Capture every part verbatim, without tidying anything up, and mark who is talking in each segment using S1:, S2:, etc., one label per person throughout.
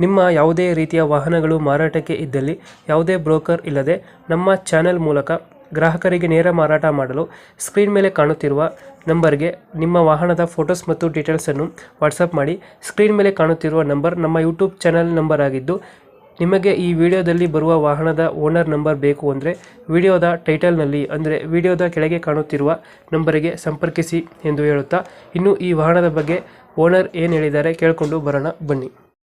S1: ನಿಮ್ಮ ಯಾವುದೇ ರೀತಿಯ ವಾಹನಗಳು ಮಾರಾಟಕ್ಕೆ ಇದ್ದಲ್ಲಿ ಯಾವುದೇ ಬ್ರೋಕರ್ ಇಲ್ಲದೆ ನಮ್ಮ ಚಾನೆಲ್ ಮೂಲಕ ಗ್ರಾಹಕರಿಗೆ ನೇರ ಮಾರಾಟ ಮಾಡಲು ಸ್ಕ್ರೀನ್ ಮೇಲೆ ಕಾಣುತ್ತಿರುವ ನಂಬರ್ಗೆ ನಿಮ್ಮ ವಾಹನದ ಫೋಟೋಸ್ ಮತ್ತು ಡೀಟೇಲ್ಸನ್ನು ವಾಟ್ಸಪ್ ಮಾಡಿ. ಸ್ಕ್ರೀನ್ ಮೇಲೆ ಕಾಣುತ್ತಿರುವ ನಂಬರ್ ನಮ್ಮ ಯೂಟ್ಯೂಬ್ ಚಾನೆಲ್ ನಂಬರ್ ಆಗಿದ್ದು, ನಿಮಗೆ ಈ ವಿಡಿಯೋದಲ್ಲಿ ಬರುವ ವಾಹನದ ಓನರ್ ನಂಬರ್ ಬೇಕು ಅಂದರೆ ವಿಡಿಯೋದ ಟೈಟಲ್ನಲ್ಲಿ ಅಂದರೆ ವಿಡಿಯೋದ ಕೆಳಗೆ ಕಾಣುತ್ತಿರುವ ನಂಬರಿಗೆ ಸಂಪರ್ಕಿಸಿ ಎಂದು ಹೇಳುತ್ತಾ, ಇನ್ನು ಈ ವಾಹನದ ಬಗ್ಗೆ ಓನರ್ ಏನು ಹೇಳಿದ್ದಾರೆ ಕೇಳಿಕೊಂಡು ಬರೋಣ ಬನ್ನಿ.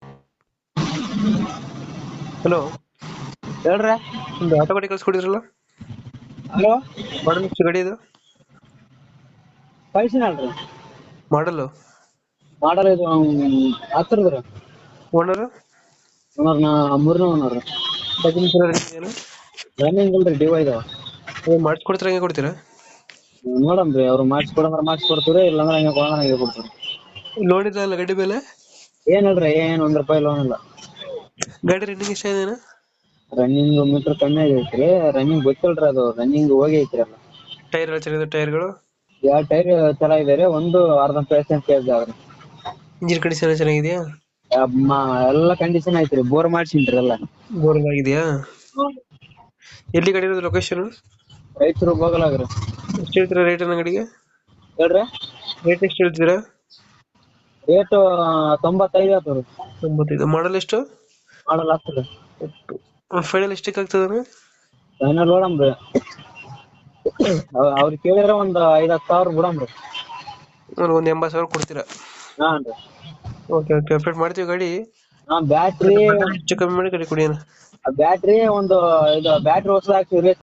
S1: ಹಲೋ,
S2: ಹೇಳ್ರಿ.
S1: ಒಂದು ಆಟೋ ಗಾಡಿ ಕಳ್ಸ್ಕೊಡಿದ್ರಲ್ಲ,
S2: ಹಲೋ,
S1: ಮಾಡಲ್ ಎಷ್ಟು ಗಾಡಿ ಇದು?
S2: ಕಳ್ಸಿನಲ್ರಿ
S1: ಮಾಡಲು
S2: ಮಾಡಲ್ ಇದು ಹತ್ತಿರದ್ರಿ.
S1: ಓನರ್
S2: ಓನರ್ ನಾ ಮೂರನೇ ಓನರ್.
S1: ಡಾಕ್ಯುಮೆಂಟ್ಸ್
S2: ರನ್ನಿಂಗ್ ಇಲ್ರಿ, ಡಿವೈ ಇದಾವ.
S1: ಮಾಡಿಸ್ಕೊಡ್ತೀರಾ, ಹೆಂಗೆ ಕೊಡ್ತೀರಾ?
S2: ನೋಡಮ್ರಿ, ಅವ್ರು ಮಾಡಿಸ್ಕೊಡಂದ್ರ ಮಾಡಿಸ್ಕೊಡ್ತೀವಿ, ಇಲ್ಲಾಂದ್ರೆ ಹಂಗೆ ಕೊಡಂದ್ರ ಹಂಗೆ ಕೊಡ್ತೀವಿ.
S1: ಲೋನ್ ಇಲ್ಲ ಅಲ್ಲ ಗಾಡಿ ಮೇಲೆ?
S2: ಏನಿಲ್ರಿ, ಏನ್ ಒಂದ್ ರೂಪಾಯಿ ಲೋನ್ ಇಲ್ಲ.
S1: ಗಾಡಿ ರನ್ನಿಂಗ್ ಎಷ್ಟಾಗಿದೆ?
S2: ರನ್ನಿಂಗ್ ಮೀಟರ್ ಕಮ್ಮಿ ಆಗೈತ್ರಿ. ರನ್ನಿಂಗ್ ಗೊತ್ತಿಲ್ರಿ, ಅದು ರನ್ನಿಂಗ್ ಹೋಗಿ ಐತ್ರಿ ಅಲ್ಲ.
S1: ಟೈರ್ ಎಲ್ಲ ಚೆನ್ನಾಗಿದೆ? ಟೈರ್ಗಳು
S2: ಎರಡು ಟೈರ್ ಚೆನ್ನಾಗಿದಾರೆ, ಒಂದು ಅರ್ಧ ಪರ್ಸೆಂಟ್ ಕೇಸ್ ಆದ್ರಿ.
S1: ಇಂಜಿನ್ ಕಂಡೀಷನ್ ಚೆನ್ನಾಗಿದೆಯಾ?
S2: ಎಲ್ಲ ಕಂಡೀಷನ್ ಐತ್ರಿ. ಬೋರ್ ಮಾಡ್ಸಿನ್ರಿ ಎಲ್ಲ.
S1: ಬೋರ್ ಆಗಿದೆಯಾ? ಎಲ್ಲಿ ಗಾಡಿ ಇರೋದು? ಲೊಕೇಶನ್
S2: ರೈತರು ಹೋಗಲಾಗ್ರಿ.
S1: ಎಷ್ಟು ಹೇಳ್ತೀರಾ ರೇಟ್ ಅನ್ನ ಗಾಡಿಗೆ?
S2: ಹೇಳ್ರಿ,
S1: ರೇಟ್ ಎಷ್ಟು ಹೇಳ್ತೀರಾ?
S2: ರೇಟು ತೊಂಬತ್ತೈದು ಆಗ್ತದೆ.
S1: ತೊಂಬತ್ತೈದು. ಮಾಡಲ್ ಎಷ್ಟು?
S2: ಮಾಡಲ್ ಆಗ್ತದೆ.
S1: ಫೈನಲ್ ಎಷ್ಟಕ್ಕೆ ಆಗ್ತದೆ?
S2: ಫೈನಲ್ ನೋಡಮ್ರಿ, ಅವ್ರಿಗೆ ಕೇಳಿದ್ರೆ ಒಂದ್ ಐದ್ ಹತ್ತು ಸಾವಿರ ಬಿಡಮ್ರಿ.
S1: ಒಂದು ಎಂಬತ್ತು ಸಾವಿರ ಕೊಡ್ತೀರಾ?
S2: ಹಾನ್ ರೀ.
S1: ಓಕೆ ಓಕೆ, ಅಪ್ಡೇಟ್ ಮಾಡ್ತೀವಿ ಗಾಡಿ.
S2: ಹಾ, ಬ್ಯಾಟ್ರಿ
S1: ಹೆಚ್ಚು ಕಮ್ಮಿ ಮಾಡಿ ಗಾಡಿ ಕೊಡಿ.
S2: ಬ್ಯಾಟ್ರಿ ಒಂದು ಇದು ಬ್ಯಾಟ್ರಿ ಹೊಸದ್ ಹಾಕ್ಸಿವ್ರಿ.